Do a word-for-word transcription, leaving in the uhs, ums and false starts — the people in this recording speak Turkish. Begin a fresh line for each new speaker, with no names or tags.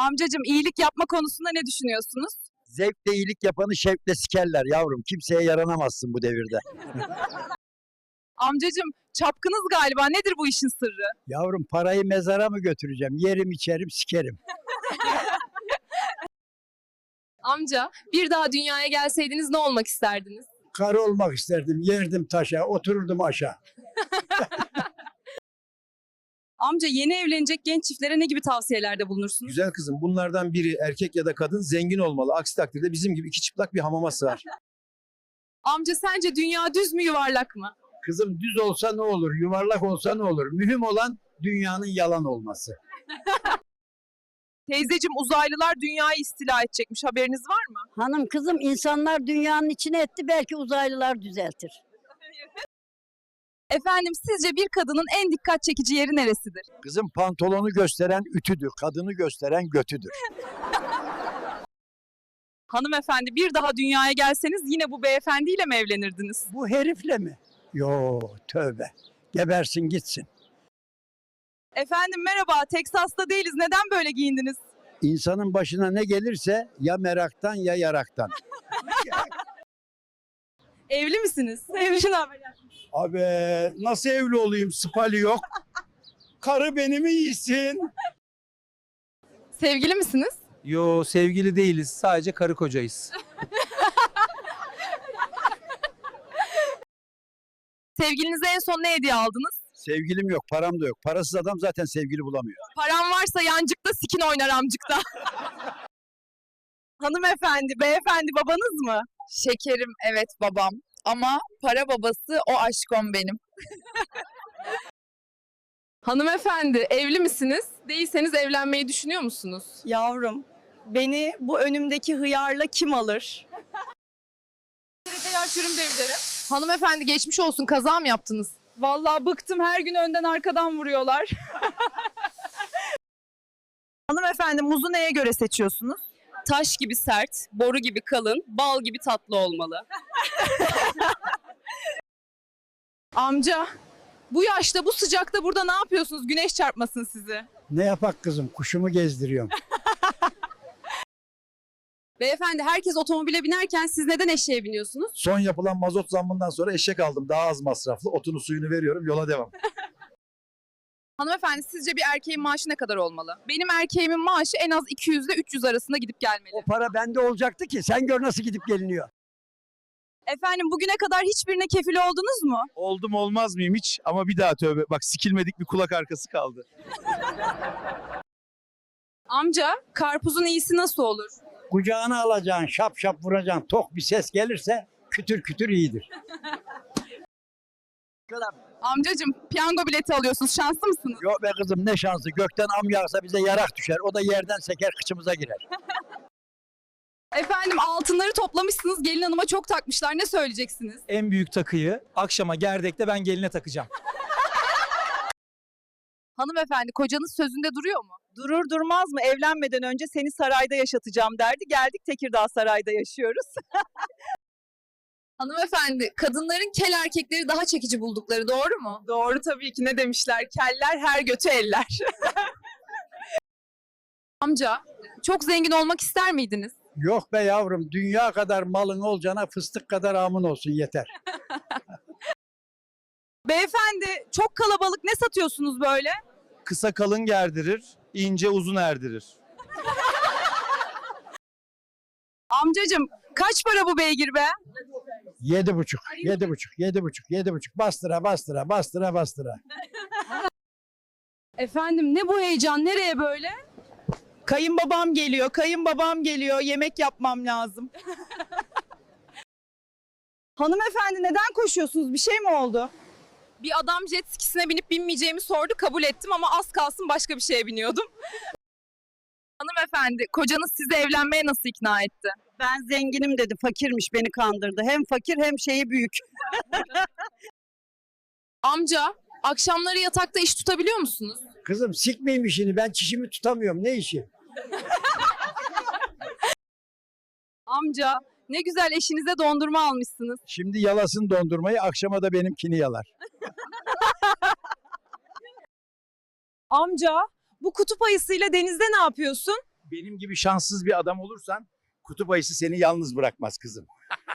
Amcacığım iyilik yapma konusunda ne düşünüyorsunuz?
Zevkle iyilik yapanı şevkle sikerler yavrum. Kimseye yaranamazsın bu devirde.
Amcacığım çapkınız galiba. Nedir bu işin sırrı?
Yavrum parayı mezara mı götüreceğim? Yerim içerim sikerim.
Amca, bir daha dünyaya gelseydiniz ne olmak isterdiniz?
Karı olmak isterdim. Yerdim taşa, otururdum aşağı.
Amca yeni evlenecek genç çiftlere ne gibi tavsiyelerde bulunursunuz?
Güzel kızım, bunlardan biri erkek ya da kadın zengin olmalı. Aksi takdirde bizim gibi iki çıplak bir hamama sığar.
Amca sence dünya düz mü yuvarlak mı?
Kızım düz olsa ne olur, yuvarlak olsa ne olur? Mühim olan dünyanın yalan olması.
Teyzeciğim uzaylılar dünyayı istila edecekmiş, haberiniz var mı?
Hanım kızım insanlar dünyanın içine etti belki uzaylılar düzeltir.
Efendim sizce bir kadının en dikkat çekici yeri neresidir?
Kızım pantolonu gösteren ütüdür, kadını gösteren götüdür.
Hanımefendi bir daha dünyaya gelseniz yine bu beyefendiyle mi evlenirdiniz?
Bu herifle mi? Yo tövbe. Gebersin gitsin.
Efendim merhaba, Teksas'ta değiliz. Neden böyle giyindiniz?
İnsanın başına ne gelirse ya meraktan ya yaraktan.
Evli misiniz? Evli haber.
Abi nasıl evli olayım? Spali yok. Karı beni mi yesin?
Sevgili misiniz?
Yo sevgili değiliz. Sadece karı kocayız.
Sevgilinize en son ne hediye aldınız?
Sevgilim yok, param da yok. Parasız adam zaten sevgili bulamıyor.
Param varsa yancıkta sikin oynar amcıkta. Hanımefendi, beyefendi babanız mı?
Şekerim evet babam ama para babası o aşkım benim.
Hanımefendi, evli misiniz? Değilseniz evlenmeyi düşünüyor musunuz?
Yavrum, beni bu önümdeki hıyarla kim alır?
Hanımefendi geçmiş olsun, kaza mı yaptınız?
Vallahi bıktım, her gün önden arkadan vuruyorlar. Hanımefendi muzu neye göre seçiyorsunuz?
Taş gibi sert, boru gibi kalın, bal gibi tatlı olmalı.
Amca, bu yaşta bu sıcakta burada ne yapıyorsunuz? Güneş çarpmasın sizi.
Ne yapak kızım? Kuşumu gezdiriyorum.
Beyefendi herkes otomobile binerken siz neden eşeğe biniyorsunuz?
Son yapılan mazot zammından sonra eşek aldım. Daha az masraflı. Otunu suyunu veriyorum. Yola devam.
Hanımefendi sizce bir erkeğin maaşı ne kadar olmalı? Benim erkeğimin maaşı en az iki yüz ile üç yüz arasında gidip gelmeli.
O para bende olacaktı ki. Sen gör nasıl gidip geliniyor.
Efendim bugüne kadar hiçbirine kefil oldunuz mu?
Oldum olmaz mıyım hiç? Ama bir daha tövbe. Bak sikilmedik bir kulak arkası kaldı.
Amca, karpuzun iyisi nasıl olur?
Kucağına alacaksın, şap şap vuracaksın. Tok bir ses gelirse kütür kütür iyidir.
Amcacığım, piyango bileti alıyorsunuz. Şanslı mısınız?
Yok be kızım ne şansı. Gökten am yağsa bize yarak düşer. O da yerden seker kıçımıza girer.
Efendim altınları toplamışsınız. Gelin hanıma çok takmışlar. Ne söyleyeceksiniz?
En büyük takıyı akşama gerdekte ben geline takacağım.
Hanımefendi kocanız sözünde duruyor mu?
Durur durmaz mı? Evlenmeden önce seni sarayda yaşatacağım derdi. Geldik Tekirdağ Saray'da yaşıyoruz.
Hanımefendi, kadınların kel erkekleri daha çekici buldukları doğru mu?
Doğru tabii ki, ne demişler? Keller her götü eller.
Amca, çok zengin olmak ister miydiniz?
Yok be yavrum. Dünya kadar malın olacağına fıstık kadar amın olsun yeter.
Beyefendi çok kalabalık, ne satıyorsunuz böyle?
Kısa kalın gerdirir, ince uzun erdirir.
Amcacığım, kaç para bu beygir be?
Yedi buçuk, yedi buçuk, yedi buçuk, yedi buçuk. Bastıra bastıra, bastıra bastıra.
Efendim ne bu heyecan? Nereye böyle?
Kayınbabam geliyor, kayınbabam geliyor. Yemek yapmam lazım. Hanımefendi neden koşuyorsunuz? Bir şey mi oldu?
Bir adam jet skisine binip binmeyeceğimi sordu. Kabul ettim ama az kalsın başka bir şeye biniyordum. Hanımefendi, kocanız sizi evlenmeye nasıl ikna etti?
Ben zenginim dedi, fakirmiş beni kandırdı. Hem fakir hem şeyi büyük.
Amca, akşamları yatakta iş tutabiliyor musunuz?
Kızım sikmeyeyim işini. Ben çişimi tutamıyorum. Ne işi?
Amca, ne güzel eşinize dondurma almışsınız.
Şimdi yalasın dondurmayı, akşama da benimkini yalar.
Amca bu kutup ayısıyla denizde ne yapıyorsun?
benim gibi şanssız bir adam olursan kutup ayısı seni yalnız bırakmaz kızım.